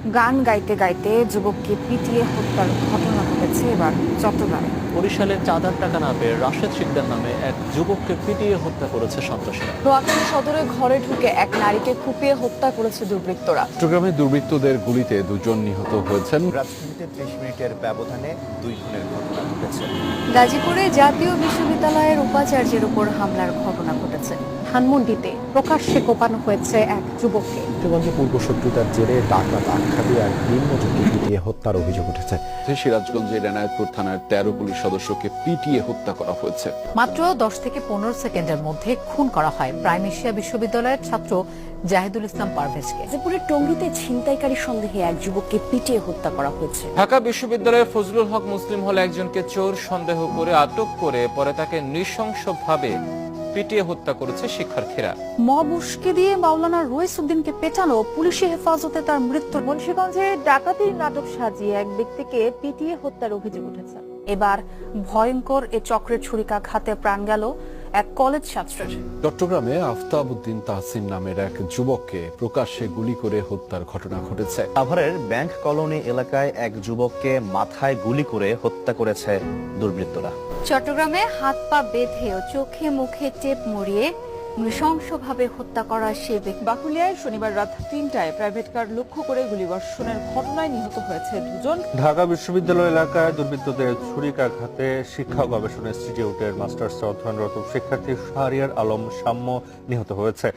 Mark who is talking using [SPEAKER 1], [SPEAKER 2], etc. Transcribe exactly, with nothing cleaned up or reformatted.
[SPEAKER 1] গান গাইতে গাইতে যুবককে পিটিয়ে হত্যার ঘটনা ঘটেছে এবার চট্টগ্রামে।
[SPEAKER 2] বরিশালে চাঁদার টাকা না পেয়ে রাশেদ শিকদার নামে এক যুবককে পিটিয়ে হত্যা করেছে সন্ত্রাসীরা।
[SPEAKER 1] নোয়াখালী সদরে ঘরে ঢুকে এক নারীকে কুপিয়ে হত্যা করেছে দুর্বৃত্তরা।
[SPEAKER 3] চট্টগ্রামে দুর্বৃত্তদের গুলিতে দুজন নিহত হয়েছেন।
[SPEAKER 4] রাজধানীতে ত্রিশ মিনিটের ব্যবধানে দুই খুনের ঘটনা ঘটেছে।
[SPEAKER 1] গাজীপুরে জাতীয় বিশ্ববিদ্যালয়ের উপাচার্যের উপর হামলার ঘটনা ঘটেছে। ধানমন্ডিতে প্রকাশ্যে কোপানো হয়েছে এক যুবককে।
[SPEAKER 5] কিশোরগঞ্জে পূর্ব শত্রুতার জেরে ডাকাত আখ্যা দিয়ে এক দিনমজুরকে পিটিয়ে হত্যার অভিযোগ উঠেছে।
[SPEAKER 3] সিরাজগঞ্জের এনায়েতপুর থানার তেরো পুলিশ সদস্যকে পিটিয়ে হত্যা করা হয়েছে।
[SPEAKER 6] মাত্র দশ থেকে পনেরো সেকেন্ডের মধ্যে খুন করা হয় প্রাইম এশিয়া বিশ্ববিদ্যালয়ের ছাত্র জাহিদুল ইসলাম পারভেজকে।
[SPEAKER 1] গাজীপুরের টঙ্গীতে ছিনতাইকারী সন্দেহে এক যুবককে পিটিয়ে হত্যা করা হয়েছে।
[SPEAKER 7] ঢাকা বিশ্ববিদ্যালয়ের ফজলুল হক মুসলিম হলে একজনকে চোর সন্দেহ করে আটক করে পরে তাকে নৃশংসভাবে পিটিয়ে হত্যা করেছে শিক্ষার্থীরা।
[SPEAKER 1] মব উস্কে দিয়ে মাওলানা রইস উদ্দিনকে পেটানো, পুলিশি হেফাজতে তার মৃত্যু। মুন্সিগঞ্জে ডাকাতির নাটক সাজিয়ে এক ব্যক্তিকে পিটিয়ে হত্যার অভিযোগ উঠেছে। এবার ভয়ঙ্কর এ চক্রের ছুরিকাঘাতে প্রাণ গেল এক কলেজ ছাত্রের।
[SPEAKER 3] চট্টগ্রামে আফতাব উদ্দিন তাহসিন নামের এক যুবককে প্রকাশ্যে গুলি করে হত্যার ঘটনা ঘটেছে।
[SPEAKER 4] সাভারের ব্যাংক কলোনি এলাকায় এক যুবককে মাথায় গুলি করে হত্যা করেছে দুর্বৃত্তরা।
[SPEAKER 1] চট্টগ্রামে হাত পা বেঁধে ও চোখে মুখে টেপ মরিয়ে নৃশংসভাবে হত্যা করা সে ব্যক্তি।
[SPEAKER 8] বাকুলিয়ায় শনিবার রাত তিনটায় প্রাইভেট কার লক্ষ্য করে গুলিবর্ষণের ঘটনায় নিহত হয়েছে দুজন।
[SPEAKER 9] ঢাকা বিশ্ববিদ্যালয় এলাকায় দুর্বৃত্তদের ছুরিকাঘাতে শিক্ষা গবেষণা ইনস্টিটিউটের মাস্টার্স অধ্যয়নরত শিক্ষার্থী শাহরিয়ার আলম সাম্য নিহত হয়েছে।